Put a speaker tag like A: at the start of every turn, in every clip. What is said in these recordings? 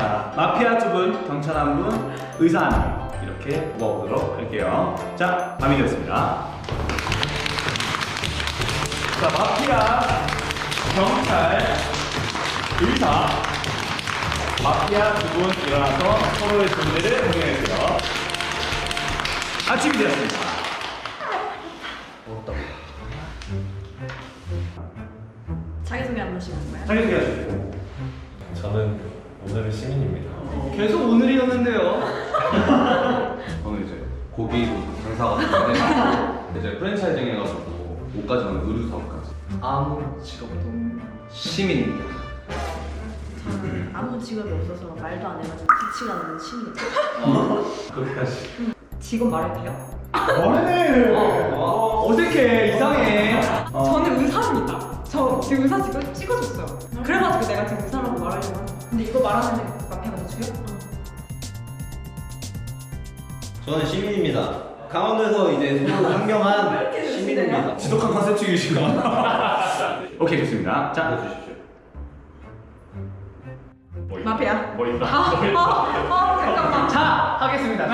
A: 자, 마피아 2분, 경찰 1분, 의사 1분 이렇게 뽑아보도록 할게요. 자, 밤이 되었습니다. 자, 마피아, 경찰, 의사, 마피아 2분 일어나서 서로의 존재를 공개해주세요. 아침이 되었습니다.
B: 자기소개 한 번씩 하는 거야?
A: 자기소개 해주세요.
C: 저는 오늘의 시민입니다.
A: 계속 오늘이었는데요.
D: 저는 이제 고기 장사가 되는데 이제 프랜차이징 해가지고 옷까지는 의류 사업까지.
E: 아무 직업도 시민입니다.
B: 저는 아무 직업이 없어서 말도 안 해가지고 기치가 나는 시민이에요.
D: 그래야지.
B: 직업 말해도 돼요?
A: 뭐래? 어색해, 이상해.
F: 저는 의사입니다. 저 지금 의사 지금 찍어줬어요. 그래가지고 내가 지금 의사라고 말하려고 하는. 근데 이거 말하는데 마피아가 더 죽여?
E: 저는 시민입니다. 강원도에서 이제 서로 상경한 시민입니다.
A: 지독한 컨셉충이시구나. 오케이, 좋습니다. 자, 주십시오.
F: 마피아.
A: 뭐 있다?
F: 잠깐만.
G: 자, 하겠습니다.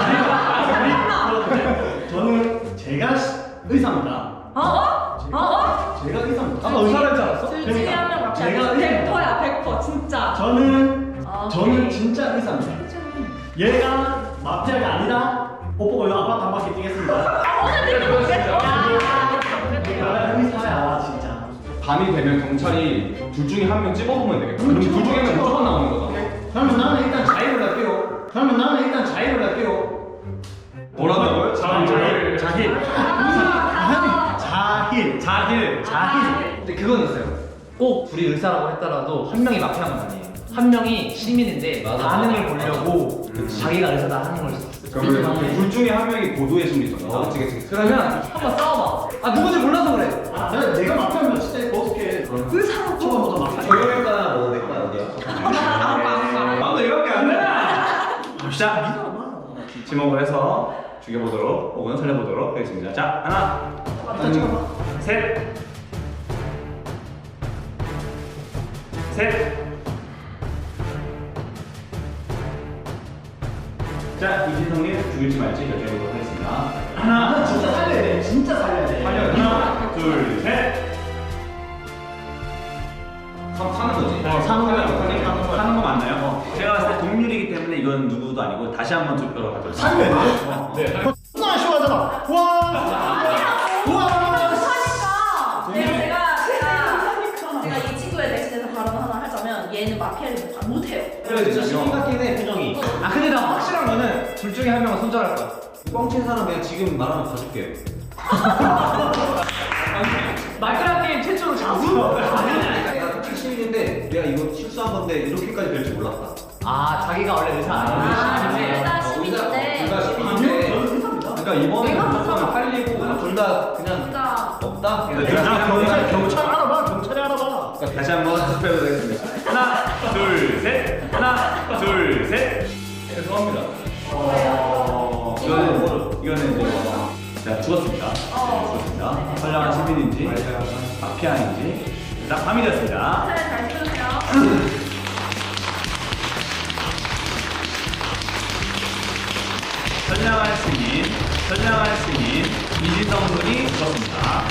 G: 저는 제가 의사입니다. 제가 의사입니다.
A: 아까 의사를 했지 않았어?
F: 둘 중에 한 명 마피아.
G: 제가 의사입니다.
F: 100%야, 100%. 진짜.
G: 저는 진짜 의사입니다. 얘가 마피아가 아니라 옷 보고 이거 아파트 한 바퀴 뛰겠습니다. 내가 의사야 진짜.
D: 밤이 되면 경찰이 둘 중에 한 명 찍어보면 되겠다. 그럼 둘 중에 한 명 무조건 나오는 거잖아.
G: 그러면 나는 일단 자의를 할게요.
D: 뭐라고요?
A: 자힐.
G: 자힐.
E: 근데 그건 있어요. 꼭 둘이 의사라고 했더라도 한 명이 마피아는 아니에요. 한 명이 시민인데 반응을 보려고 자기가 의사다 하는 걸 수도 있어요.
D: 그러면 둘 중에 한 명이 고도의 심리잖아. 그치.
E: 그러면 한번 싸워봐. 아 누군지 몰라서 그래.
G: 내가 마피아면 진짜 어떻게
F: 의사라고.
G: 처음부터 마피아.
E: 조용할까나 뭐 내과 어디야?
A: 나도 이거밖에 안 돼. 갑시다. 지목을 해서 죽여보도록 혹은 살려보도록 하겠습니다. 자, 하나, 셋, 셋. 자, 이진성님 죽일지 말지 결정해보도록 하겠습니다. 하나,
G: 진짜 살려야 돼. 진짜 살려야 돼.
A: 하나, 둘, 셋.
D: 사는 거지.
A: 사는 거 맞나요? 제가 봤을 때 동률이기 때문에 이건 누구도 아니고 다시 한번 투표로 가도록
G: 살려야 돼. 네. 나 아쉬워하잖아.
B: 제가 이 친구에 대신해서 발언 하나 하자면 얘는 마피아를 못해요.
E: 그래 진짜 시민 같긴 해 표정이. 아 근데 나 확실한 거는 둘 중에 한 명은 손절할 거야. 뻥친 사람 그냥 지금 말하면 봐줄게요.
F: 마크라 게임 최초로 자수?
E: 내가 시민인데 내가 이거 실수한 건데 이렇게까지 될 줄 몰랐다. 아 자기가 원래 의사 아닌데
B: 둘 다 시민인데.
E: 둘 다 시민인데.
G: 저는 의사입니다.
E: 그러니까 이번에 무조건 팔리고 둘 다 그냥
B: 진짜.
E: 없다.
G: 경찰 알아봐. 경찰이 알아봐.
A: 다시 한번 투표해보도록 하겠습니다. 하나, 둘, 셋. 하나, 둘, 셋.
D: 죄송합니다.
A: 이거는 이제 자, 죽었습니다. 죽었습니다. 선량한 시민인지 마피아인지 자, 밤이 되었습니다.
B: 잘 들으세요.
A: 선량한 시민 이진성 군이 죽었습니다.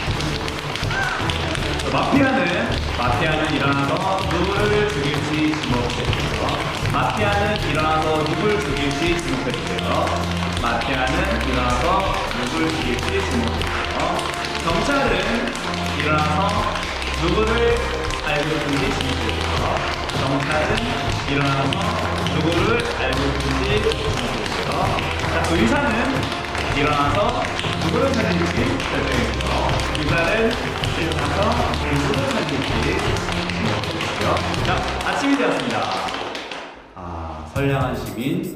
A: 마피아는 일어나서 누구를 죽일지 지목해주세요. 마피아는 일어나서 누굴 죽일지 지목해주세요. 마피아는 일어나서 누굴 죽일지 지목해주세요. 경찰은 일어나서 누구를 알고 있는지 지목해주세요. 경찰은 일어나서 누구를 알고 있는지 지목해주세요. 자, 의사는 일어나서 누구를 찾는지 결정해주세요. 의사는 일어나서 누구를 찾는지 지목해주세요. 자, 아침이 되었습니다. 선량한 시민,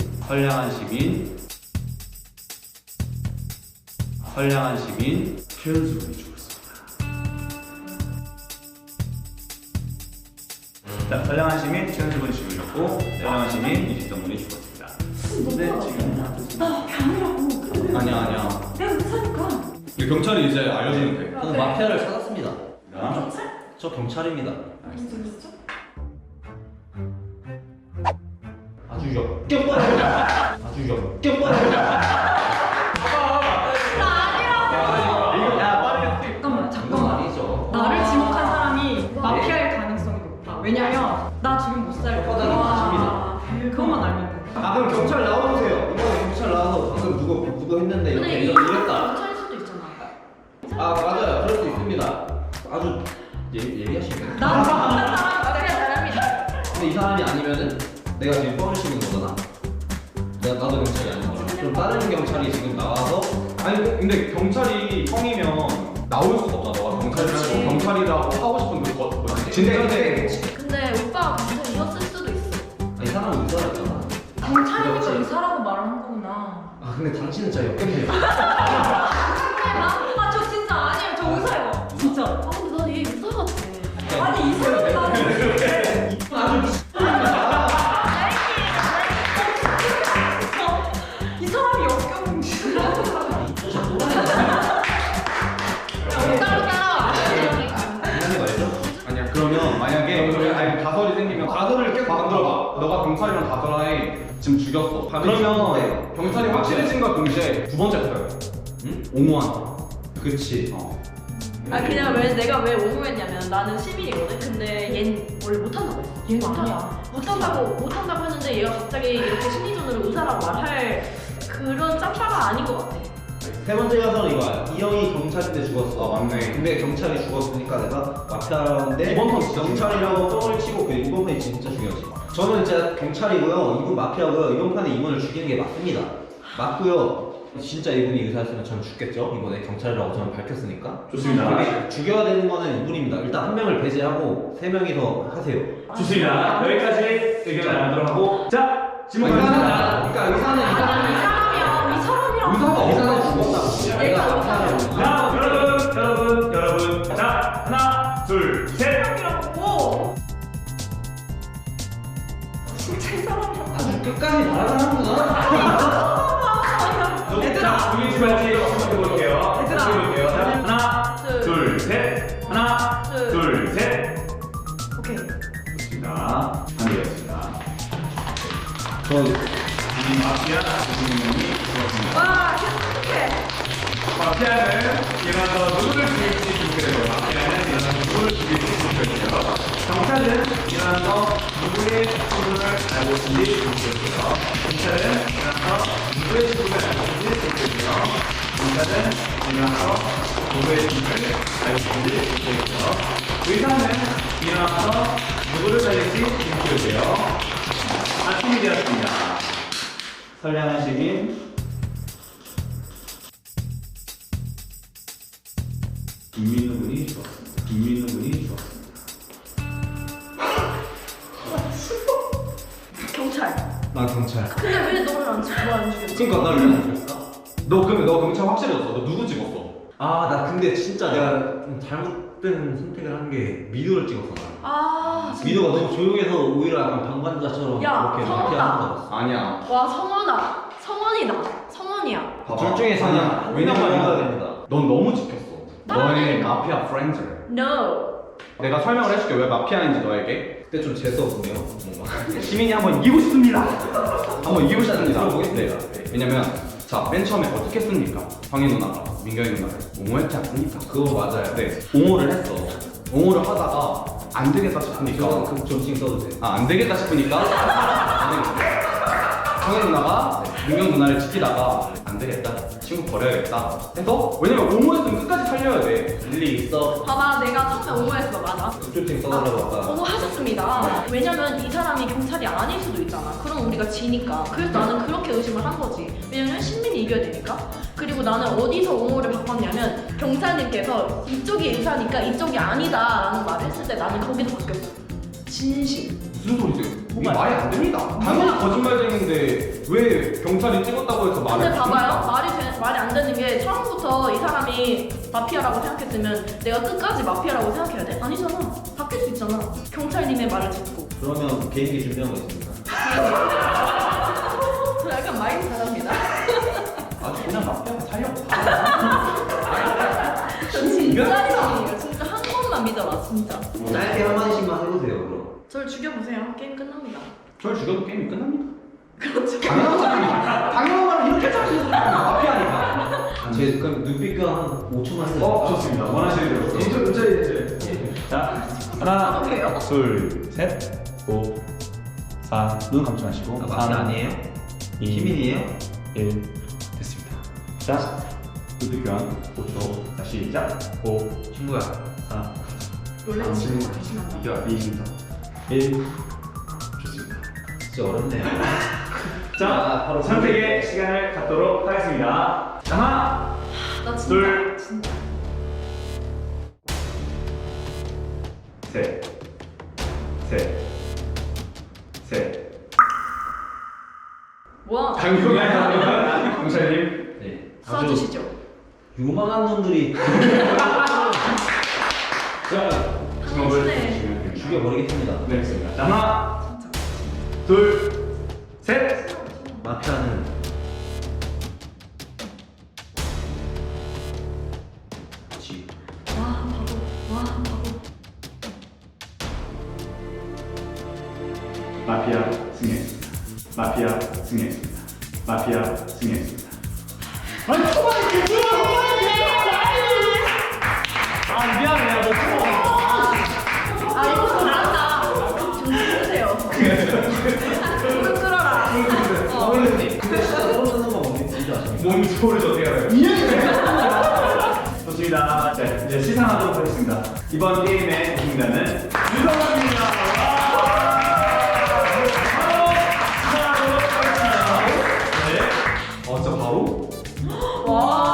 A: 최현수 군이 죽었습니다. 자, 선량한 시민, 최현수 군이 죽으셨고, 선량한 시민, 이진성 군이 죽었습니다. 근데 지금
D: 아니야.
F: 내가 의사니까.
D: 근데 경찰이 이제 알려주면 돼.
E: 저는 마피아를 찾았습니다.
B: 경찰?
E: 저 경찰입니다. 역겹버려. 아주 역겹버려.
F: 잠깐만.
C: 아니죠.
F: 나를 지목한 사람이 마피아일 가능성이 높아. 왜냐면 나 지금 못 살려. 그것만 알면 돼.
H: 아 그럼 경찰 나와보세요. 이번에 경찰 나와서 방금 누구 했는데
B: 근데
H: 이렇게
B: 이거
H: 이랬다.
B: 경찰일 수도 있잖아.
H: 아 맞아요. 그럴 수 있습니다. 아주 예리하시네.
F: 나 지목한 사람이
B: 마피아 사람이다.
H: 근데 이 사람이 아니면은 내가 지금 뻥을 치는 거잖아. 나도 경찰이 아닌 거야. 그럼 다른 경찰이 지금 나와서
D: 아니 근데 경찰이 형이면 나올 수가 없잖아. 너가
B: 그치.
D: 경찰이라고 하고 싶은 그거 진짜
B: 근데 오빠가 경찰이었을 수도 있어.
H: 아니 사람은 의사였잖아.
F: 경찰이니까 의사라고 말을 한 거구나.
H: 아 근데 당신은 진짜 역겹네요.
F: 저 진짜 아니에요. 저 의사예요. 진짜.
B: 아 근데 난얘 의사 같아.
F: 아니 이 사람이 나는 이 사람이 역겨운
B: 따로 따라와.
H: 장난이 말죠?
D: 아니야 그러면 만약에 아니 가설이 생기면 가설을 계속 만들어봐. 너가 경찰이랑 가설아에 지금 죽였어. 그러면 경찰이 확실해진과 동시에 두 번째 거예요.
H: 응?
D: 옹호한다.
H: 그렇지.
B: 아 그냥 왜 내가 왜 오무했냐면 나는 시민이거든. 근근데 얜 원래 못한다고 했어.
F: 얘는 아니야.
B: 못한다고 했는데 얘가 갑자기 이렇게 심리전으로 의사라고 말할 그런 짬바가 아닌 것 같아.
H: 세 번째 가설은 이거야. 이 형이 경찰인데 죽었어.
D: 아 맞네.
H: 근데 경찰이 죽었으니까 내가 마피아인데
D: 이번 턴 진짜
H: 경찰이라고 뻥을 치고 그 이번 판이 진짜 중요하지. 저는 진짜 경찰이고요. 이분 마피아고요. 이번 판에 이분을 죽이는 게 맞습니다. 맞고요. 진짜 이분이 의사였으면 전 죽겠죠. 이번에 경찰이라고 저는 밝혔으니까.
A: 좋습니다.
H: 근데 죽여야 되는 거는 이분입니다. 일단 한 명을 배제하고 세 명이서 하세요.
A: 좋습니다. 여기까지 의견을 나누도록 하고 자 질문 가겠습니다.
D: 그러니까 의사는
F: 이 사람이야. 이 사람이랑
D: 의사가
H: 의사는 죽었다. 내가 마피아를
A: 자 여러분 자 하나 둘 셋.
F: 사람이라고. 진짜 이 사람이랑.
H: 아주 끝까지 말하는구나.
A: 자 우리 집까지 해볼게요.
F: 얘들아.
A: 해볼게요. 자 하나 둘 셋. 하나 둘 셋.
F: 오케이.
A: 좋습니다. 반대였습니다.
H: 저
A: 이 마피아 주인공이 죽었습니다.
F: 와, 어떡해.
A: 마피아는 일어나서 누구를 죽일지 죽게 마피아는 일어나서 누구를 죽일지 죽게 되고요. 경찰은 일어나서 누구의 신분을 알고 있는지 죽게 되고요. 경찰은 일어나서 누구의 신분을 알고 있는지 죽게 되고요. 경찰은 일어나서 누구의 신분을 알고 있는지 죽게 되고요. 의사는 일어나서 누구를 살릴지 죽게 되고요. 아침이 되었습니다. 선량한 시민 김민우 군이 죽었습니다. 김민우 군이 죽었습니다.
B: 경찰.
H: 나 경찰.
B: 근데 왜 너를 안 죽였지?
H: 그러니까 나를 왜안 죽였어?
D: 너 그러면 너 경찰 확실해졌어. 너 누구 찍었어?
H: 아, 나 근데 진짜 내가 좀 잘못된 선택을 한 게 미도를 찍었어. 나.
B: 아
H: 미도가 너무 조용해서 오히려 약간 방관자처럼
B: 야,
H: 이렇게
B: 성우다.
H: 마피아 하는 거
D: 아니야.
B: 와 성원아. 성원이다. 성원이야.
D: 봐봐.
H: 둘 중에서
D: 아니야.
H: 한 명만 믿어야 됩니다.
D: 넌 너무 지켰어. 너의 마피아 프렌즈.
B: No.
D: 내가 설명을 해줄게 왜 마피아인지 너에게.
H: 그때 좀 재수 없네요. 뭔가.
D: 시민이 한번 이기고 싶습니다. 한번 이기고 싶습니다.
H: 들어보겠습니다.
D: 네. 왜냐면 자 맨 처음에 어떻게 했습니까? 황희 누나가 민경이 누나를 옹호했지 않습니까?
H: 그거 맞아요.
D: 네. 옹호를 했어. 옹호를 하다가 안 되겠다 싶으니까.
H: 이거 그 점칭 써도 돼.
D: 아, 안 되겠다 싶으니까 황희 누나가 민경 누나를 지키다가 안 되겠다. 친구 버려야겠다. 해서 왜냐면 옹호했으면 끝까지 살려야 돼.
H: 일리 있어.
B: 봐봐 내가 처음에 오버했어 맞아.
H: 점칭 써달라고 아까.
B: 오버하셨습니다. 왜냐면 이 사람이 경찰이 아닐 수도 있잖아. 그럼 우리가 지니까. 그래서 나는 그렇게 의심을 한 거지. 왜냐면 신민이 이겨야 되니까. 그리고 나는 어디서 옹호를 바꿨냐면 경찰님께서 이쪽이 의사니까 이쪽이 아니다라는 말을 했을 때 나는 거기서 바뀌었어. 진심.
D: 무슨 소리세요? 이게 말이 안 됩니다. 당연히 거짓말쟁인데 왜 경찰이 찍었다고 해서 말을
B: 근데 봐봐요. 말이 안 되는 게 처음부터 이 사람이 마피아라고 생각했으면 내가 끝까지 마피아라고 생각해야 돼? 아니잖아. 바뀔 수 있잖아. 경찰님의 말을 듣고.
H: 그러면 개인기 준비한 거 있습니까?
B: 저 약간 마인드 잘합니다.
D: 아 그냥 마피아가 살려고
B: 저 진짜 이상해요. 진짜 한 번만 믿어라 진짜.
H: 짧게 한 마디씩만 해보세요. 그럼.
B: 저를 죽여보세요. 게임 끝납니다.
D: 절 죽여도 게임이 끝납니다. 당연한 말을 이렇게 짜주는 마피아니까.
H: 제 그럼 눈빛 교환 한 5초만 해도
A: 좋습니다. 원하시는 대로.
G: 자, 하나,
B: 어떡해요?
G: 둘, 셋, 5, 4. 눈 감지 마시고.
H: 마피아 아니에요?
G: 2,
H: 시민이에요?
G: 1. 됐습니다. 자, 눈빛 교환 5초. 다시 시작. 5,
H: 친구야.
G: 4,
B: 원래 친구가 계시면
G: 이겨 20, 1. 좋습니다.
H: 진짜 어렵네요.
G: 자, 바로 선택의 시간을 갖도록 하겠습니다. 하나,
B: 나 진짜
G: 둘.
B: 진짜
G: 셋, 셋.
B: 뭐야?
G: 강경한 경찰님.
H: 네.
B: 쏴주시죠.
H: 요망한 놈들이
G: 자, 주먹을
B: 당신의
G: 주시면 됩니다.
H: 죽여버리겠습니다.
G: 네, 됐습니다. 자, 하나, 둘, 셋.
H: 마피아는 지.
B: 와 바보. 와 바보.
G: 마피아 승리했습니다. 마피아 승리했습니다. 마피아 승리했습니다.
E: 아니 초반에 아 미안해요. 너 초반에.
B: 아 이거 잘한다. 정신 쓰세요. 끈 끌어라.
H: 근데 진짜 서로 쓰는 거 뭔지 아십니까?
G: 몸 소리를 어떻게 알아요? 좋습니다. 자, 이제 시상하도록 하겠습니다. 이번 게임의 우승자는 유성환입니다. 시상하도록 하겠습니다. 네.
D: 진짜 바로?
B: 와.